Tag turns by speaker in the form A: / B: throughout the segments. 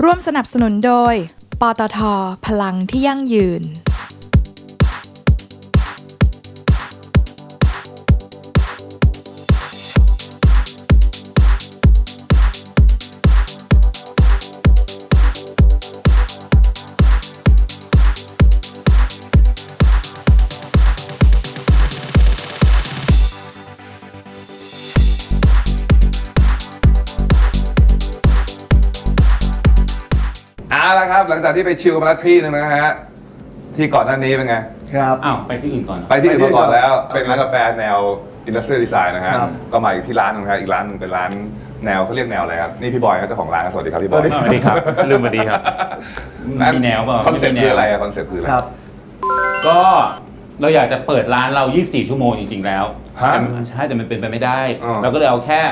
A: ร่วมสนับสนุนโดยปตท.พลังที่ยั่งยืน
B: แล้วครับหลังจากที่ไปชิลมาแล้วที่นึงนะฮะที่ก่อนหน้านี้เป็นไง
C: ครับอ้าวไปที่อื่นก่อนไป
B: ที่อื่นมาก่อนแล้วเป็นร้านกาแฟแนวอินดัสเทรียลดีไซน์นะฮะก็มาอีกที่ร้านนึงครับอีกร้านนึงเป็นร้านแนวเขาเรียกแนวอะไรครับนี่พี่บอยครับเจ้าของร้านสวัสดีครับพี่บอย
C: สวัสดีครับลืมสวัสดีครับมีแนวเปล่า
B: คอนเซ็ปต์คืออะไรคอนเซ็ปต์คืออะไร
C: ก็เราอยากจะเปิดร้านเรา24ชั่วโมงจริงๆแล้วใช่แต่มันเป็นไปไม่ได้เราก็เลยเอาแค่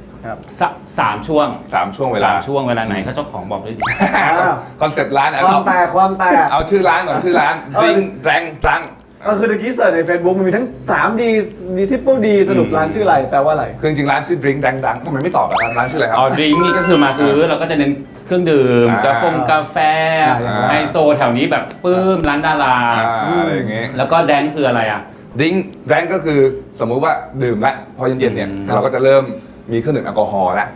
C: 3 ช่วงเวลาไหนเขาเจ้าของบอกได้ดี
B: คอนเซ็ปต์ร้าน
D: ความแตก
B: เอาชื่อร้านก่อนชื่อร้านดิ้งแรงดัง
D: ก็คือตะกี้เสิร์ชใน Facebook มันมีทั้ง 3D Triple D สรุปร้านชื่ออะไรแปลว่าอะไร
B: คือจริงร้านชื่อดิ้งแรงดังทำไมไม่ตอบร้านชื่ออะไรครับ
C: ดิ้งนี่ก็คือมาซื้อเราก็จะเน้นเครื่องดื่มกาแฟไฮโซแถวนี้แบบปื้มร้านดารา
B: อะไรอย่างเงี้ย
C: แล้วก็แดงคืออะไรอ่ะ
B: ดิ้งแรงก็คือสมมุติว่าดื่มแล้วพอเย็นๆเนี่ยเราก็จะเริ่มมีเครื่องดื่มแอลกอฮอล์แล้ว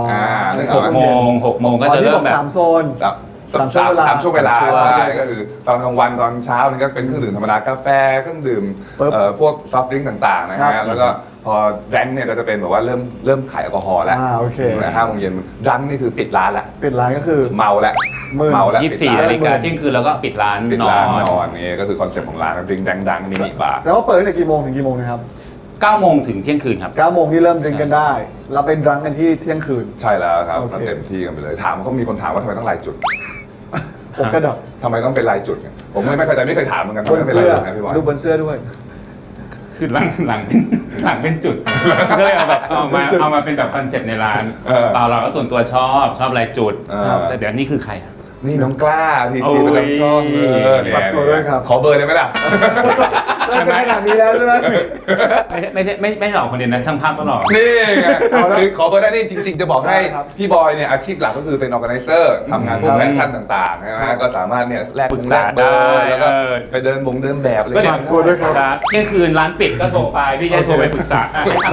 C: 6 โมงก็จะเริ่มแบบ
D: 3 โซน
B: 3 ช่วงเวลาใช่ก็คือตอนกลางวันตอนเช้านี่ก็เป็นเครื่องดื่มธรรมดากาแฟเครื่องดื่มพวกซอฟต์ดริงก์ต่างๆนะฮะแล้วก็พอแดงเนี่ยก็จะเป็นแบบว่าเริ่มขายแอลกอฮอล์แล้ว5 โมงเย็นดังนี่คือปิดร้านแล้ว
D: ปิดร้านก็คือ
B: เมาแล้ว
C: 24 นาฬิกาเที่ยงคืนแล้วก็ปิดร้านน
B: อนนี่ก็คือคอนเซ็ปต์ของร้านดริงก์ดังมินิบาร์
D: แต่ว่าเปิดตั้งแต่กี่โมงถึงกี่โมงนะครับ
C: 9 โมงถึงเที่ยงคืนครับ
D: 9 โมงที่เริ่มดื่มกันได้เราเป็นดรังกันที่เที่ยงคืน
B: ใช่แล้วครับเต็มที่กันไปเลยถามเขามีคนถามว่าทำไมต้องลายจุด
D: ผมกระดก
B: ทำไมต้องเป็นลายจุดเนี่ยผมไม่เคยแต่ไม่เคยถามเหมือนกันทำไมต้องเป็นลายจุดนะพี่บอย
D: ดูบนเสื้อด้วย
C: คือหลังเป็นจุดก็เลยเอาแบบเอามาเป็นแบบคอนเซ็ปต์ในร้านเราก็ส่วนตัวชอบลายจุดแต่เดี๋ยวนี้คือใคร
B: นี่น้องกล้าทีเป็นรับชอบ
D: ฝากตัวด้วยครับ
B: ขอเบอร์ได้ไหมล่ะ
D: จะขนาดนี้แล้วใช่ไหม
C: ไม่หลอกคนเดียวนะช่างภาพต้องหลอก
B: นี่ไงขอเบอร์ได้นี่จริงๆจะบอกให้พี่บอยเนี่ยอาชีพหลักก็คือเป็นออร์แกไนเซอร์ทำงานพวกแฟชั่นต่างๆนะฮะก็สามารถเนี่ยแลก
C: ปรึกษาได้
B: แล้วก็ไปเดินแบบเลย
D: ฝากตัวด้วยครับ
C: เที่ยงคืนร้านปิดก็โทรไปพี่จะโทรไปปรึกษา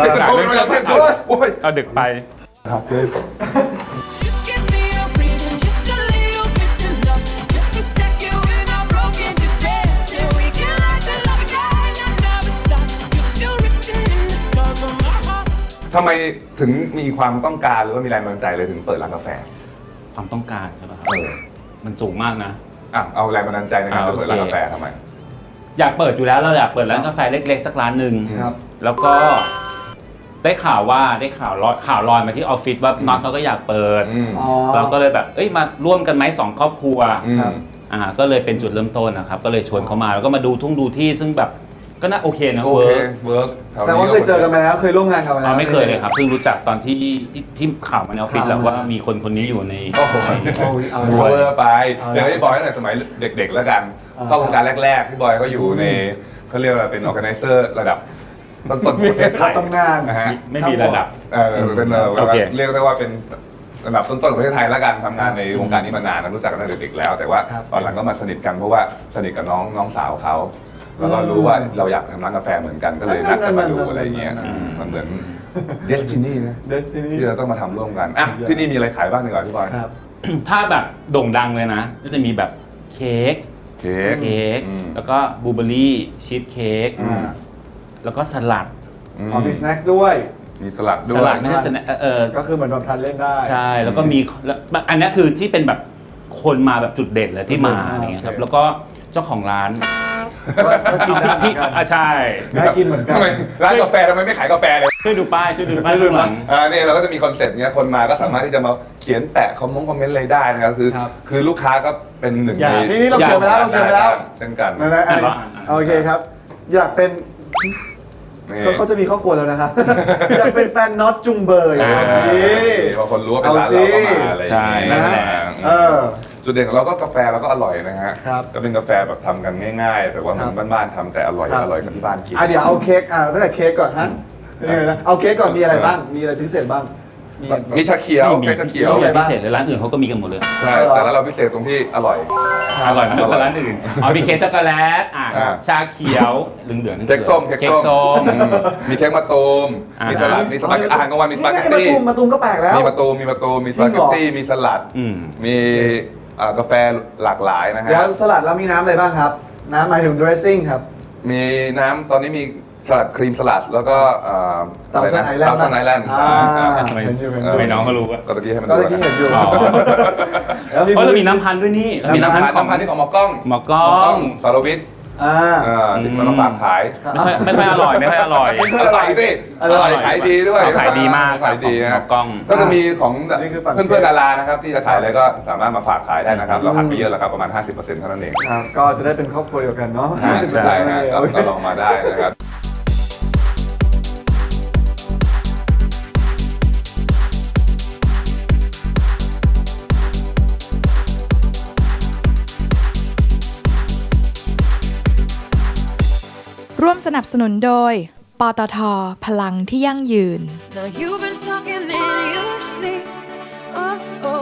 C: เอาดึกไป
B: ครับทำไมถึงมีความต้องการหรือว่ามีแรงบันดาลใจเลยถึงเปิดร้านกาแฟ
C: ความต้องการใช่ป่ะมันสูงมากนะ
B: เอาแรงบันดาลใจในการเปิดร้านกาแฟทำไม
C: อยากเปิดอยู่แล้วเราอยากเปิดร้านกาแฟเล็กๆสักร้านหนึ่งแล้วก็ได้ข่าวลอยมาที่ออฟฟิศว่าน็อตเขาก็อยากเปิดเราก็เลยแบบมาร่วมกันไหม2 ครอบครัวก็เลยเป็นจุดเริ่มต้นนะครับก็เลยชวนเขามาแล้วก็มาดูที่ซึ่งแบบก็น่าโอเคนะเ
B: วิร์ก
D: แสดงว่าเคยเจอกันมาแล้วเคยร่วมงานกันมาแล้ว
C: ไม่เคยเลยครับเพิ่งรู้จักตอนที่ข่าวมาในออฟฟิศแล้วว่ามีคนนี้อยู่ใน
B: โอ้โหเวอร์ไปเจอพี่บอยตั้งแต่สมัยเด็กๆแล้วกันเข้าวงการแรกๆพี่บอยก็อยู่ในเขาเรียกว่าเป็นออร์แกไนเซอร์ระดับต้นประเทศไทย
D: ทำงาน
C: นะฮะไม่มีระดับ
B: เป็นเรียกได้ว่าเป็นระดับต้นๆของประเทศไทยแล้วกันทำงานในวงการนี้มานานรู้จักกันตั้งแต่เด็กๆแล้วแต่ว่าตอนหลังก็มาสนิทกันเพราะว่าสนิทกับน้องสาวเขาแล้วก็รู้ว่าเราอยากทำร้านกาแฟเหมือนกันก็เลยนัดกันมาดูอะไรเงี้ยมันเหมือนเดสตินีนะที่เราต้องมาทำร่วมกันที่นี่มีอะไรขายบ้างดีกว่าพี่บอย
C: ถ้าแบบโด่งดังเลยนะก็จะมีแบบเค้กแล้วก็บลูเบอร์รี่ชีสเค้กแล้วก็สลัด
D: มีสแน็คด้วย
B: มีสลัดด้วย
C: สลัดไม่ใช่สแน็ค
D: ก็คือเหมือนแบบทานเล่นได้
C: ใช่แล้วก็มีอันนี้คือที่เป็นแบบคนมาแบบจุดเด่นเลยที่มาอย่างเงี้ยครับแล้วก็เจ้าของร้าน
D: กินได้
C: พี่ใช่
D: ได้กินเหมือนกัน
B: ทำไมร้านกาแฟทำไมไม่ขายกาแฟเลย
C: ช่วยดูป้ายข้างหลัง
B: นี่เราก็จะมีคอนเซ็ปต์เนี้ยคนมาก็สามารถที่จะมาเขียนแปะคอมเมนต์อะไรได้นะครับคือลูกค้าก็เป็นหนึ่งใน
D: นี่เราเขียนไปแล้ว
B: เช่นกัน
D: โอเคครับอยากเป็นเขาจะมีครอบครัวแล้วนะครับอยากเป็นแฟนน็อตจุงเบย์
B: พอคนรู้ว่าเป็นร้านเราก็มาอะไรอย่างเงี้ยจุดเด่นของเราก็กาแฟเราก็อร่อยนะฮะก็เป็นกาแฟแบบทำกันง่ายๆแต่ว่ามันบ้านๆทำแต่อร่อยกับที่บ้านกิน
D: เดี๋ยวเอาเค้กตั้งแต่เค้กก่อนฮะเอาเค้กก่อนมีอะไรบ้างมีอะไรพิเศษบ้าง
B: มีชาเขียว
C: มี
B: เค้กชาเขียว
C: มีพิเศษเลยร้านอื่นเขาก็มีกันหมดเลย
B: ใช่แต่แล้วเราพิเศษตรงที่อร่อย
C: อร่อยมากกว่าร้านอื่นอ๋อมีเค้กช็อกโกแลตชาเขียวเหลืองๆ
B: เค้กส้ม
C: เค้กส้ม
B: มีเค้กมะตูม มีสลัด มีสปาเกตตี้อาหารกลางวันมีสปาเกตตี้
D: มาตูมก็แปลกแล้ว
B: มีมะตูม มีสปาเกตตี้ มีสลัด มีกาแฟหลากหลายนะฮะ
D: แล้วสลัดแล้วมีน้ำอะไรบ้างครับ น้ำหมายถึง dressing ครับ
B: มีน้ำตอนนี้มีสลัดครีมสลัดแล้วก็
D: เตาซันไอแลนด์
B: เตาซันไอแลนด์ใช่ครับ
C: ทำไมน้องก็รู้อะ
B: ก็ตะกี้ให้มัน
D: ก็
B: ดู
D: เมื่อกี้เห็นอยู่
C: อ๋อ
D: แล้ว
C: เพราะเรามีน้ำพันธุ์ด้วยนี่เรามีน้ำพันธุ์ของ
B: น้ำพันธุ์ที่ของหมอกล้อง
C: หมอกล้อง
B: สารวิทย์ที่มันมาฝากขาย
C: ไม่ค่อยอร่อยไม่ค่อยอร่อย
B: อร่อยสิอร่อยขายดีด้วย
C: ขายดีมาก
B: ขายดี
C: หม
B: นะ
C: อกล้อง
B: ก็จะมีของ
D: นี่คือฝั่ง
B: เพื่อนๆดารานะครับที่จะขายอะไรก็สามารถมาฝากขายได้นะครับ เราหักไปเยอะแล้วครับประมาณ 50%เท่านั้นเอง
D: ครับก็จะได้เป็นครอบครัวเดียวกันเนาะ
B: ใช่นะก็ลองมาได้นะครับ
A: ร่วมสนับสนุนโดย ปตท. พลังที่ยั่งยืน
E: Now you've been talking in your sleep. Oh, oh.